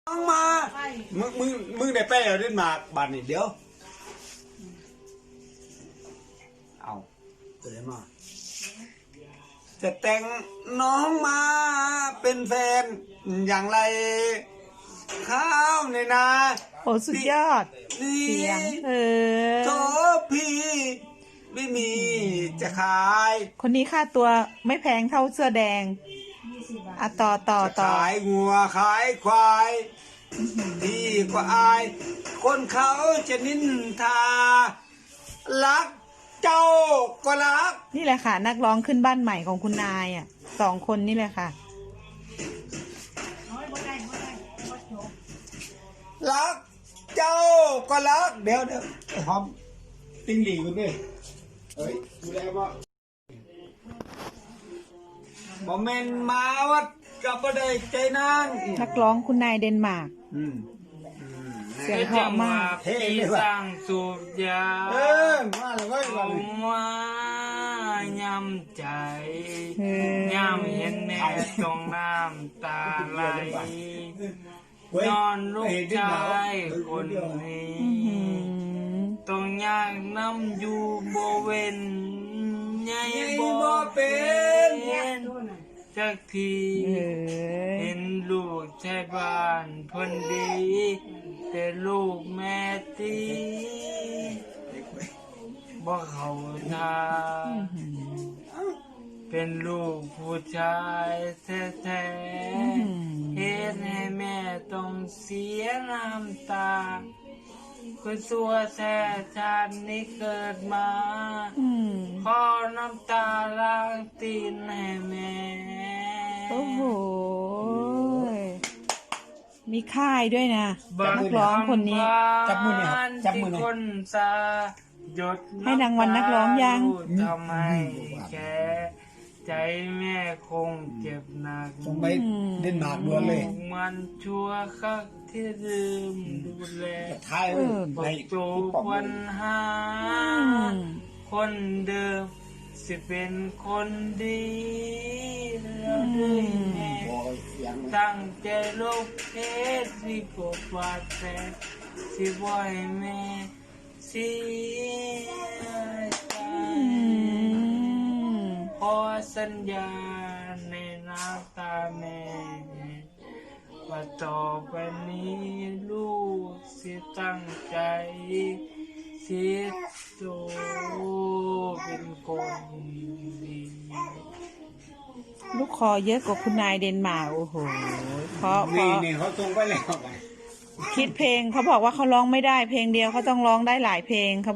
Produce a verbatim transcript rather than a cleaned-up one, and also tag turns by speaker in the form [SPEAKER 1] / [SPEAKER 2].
[SPEAKER 1] น้องมามึงมึงมึงได้ไปเอาเล่นหมากบาดนี่เดี๋ยวเอาตัวไหนมาจะแต่งน้องมาเป็นแฟนอย่างไรข้าวในนา
[SPEAKER 2] โอ้สุดยอด
[SPEAKER 1] นี่
[SPEAKER 2] เสียงเออ
[SPEAKER 1] โทพี่ไม่มีจะขาย
[SPEAKER 2] คนนี้ค่าตัวไม่แพงเท่าเสื้อแดงอ่ะต่อต่อ
[SPEAKER 1] จะ
[SPEAKER 2] ต่อ
[SPEAKER 1] ขายงัวขายควายดีกว่าอาย คนเขาจะนินทา รักเจ้าก็รัก
[SPEAKER 2] นี่แหละค่ะ นักร้องขึ้นบ้านใหม่ของคุณนายอ่ะสองคนนี่แหละค่ะ
[SPEAKER 1] รักเจ้าก็รัก เดี๋ยวเดี๋ยวหอมติ้งหลีกันดิเฮ้ยดูแลบ่บ่แม่นมาวัดกับบ่ได้ใจนาง
[SPEAKER 2] นักร้องคุณนายเดนมาร์ก
[SPEAKER 1] อืม
[SPEAKER 2] เสียงเพราะมาก
[SPEAKER 1] เท่
[SPEAKER 3] ที่
[SPEAKER 1] เลย
[SPEAKER 3] ส
[SPEAKER 1] ว่ะ
[SPEAKER 3] ร้างสูบยา
[SPEAKER 1] เออมาเลยเว้ย
[SPEAKER 3] เอา
[SPEAKER 1] ว่าเลย
[SPEAKER 3] มายำใจ
[SPEAKER 2] เออ
[SPEAKER 3] ยำเห็นแม่ต้องน้ำตาไหล
[SPEAKER 1] เว้ย
[SPEAKER 3] นอนลูก
[SPEAKER 1] เห็นที่
[SPEAKER 3] ชา
[SPEAKER 1] หนาว
[SPEAKER 3] ยคนนี้
[SPEAKER 2] อื้อหือ
[SPEAKER 3] ต้องยากน้ำอยู่บ่เว้นใหญ่
[SPEAKER 1] ไง
[SPEAKER 3] บ่
[SPEAKER 1] บ่เป็น
[SPEAKER 3] จักที
[SPEAKER 2] เออ
[SPEAKER 3] เห็นลูกชายบ้านเพิ่นดี แต่ลูกแม่ตีบ่เข้าทางเป็นลูกผู้ชายแท้ๆเฮ็ดให้แม่ต้องเสียน้ำตาคือสัวแท้ชาตินี้เกิดมา
[SPEAKER 2] อืม
[SPEAKER 3] ขอน้ำตาล้างตีนให้แม่
[SPEAKER 2] โอ้โหมีค่ายด้วยนะนักร้องคนนี้
[SPEAKER 1] จับมือเนี่ยครับจับมือเนี่ย
[SPEAKER 3] ที่คนสาหยด
[SPEAKER 2] ให้รางวัลนักร้องยัง
[SPEAKER 3] ทำไมแกใจแม่คงเจ็บหนัก
[SPEAKER 1] ส่งไปเดนมาร์กด่วนเลย
[SPEAKER 3] มันชั่วคักที่ลืมดูแล
[SPEAKER 1] ท้ายเลย
[SPEAKER 3] บอ
[SPEAKER 1] ใน
[SPEAKER 3] กโจปัญหา
[SPEAKER 2] อืม
[SPEAKER 3] คนเดิม สิเป็นคนดีแล้วด้วยแม่
[SPEAKER 1] บอกเสียง
[SPEAKER 3] ตั้งใจลบเพชรสิกดบาดแผลสิบ่ให้แม่เสียใจ
[SPEAKER 2] อืม
[SPEAKER 3] ขอสัญญาในน้ำตาแม่ว่าต่อไปนี้ลูกสิตั้งใจสิโตเป็นคนดี
[SPEAKER 2] ลูกคอเยอะกว่าคุณนายเดนมาร์กโอ้โห เพราะเพ
[SPEAKER 1] นี่
[SPEAKER 2] ราะ
[SPEAKER 1] นี่เขาส่งไปแล้ว
[SPEAKER 2] คิดเพลงเขาบอกว่าเขาร้องไม่ได้เพลงเดียวเขาต้องร้องได้หลายเพลงเขา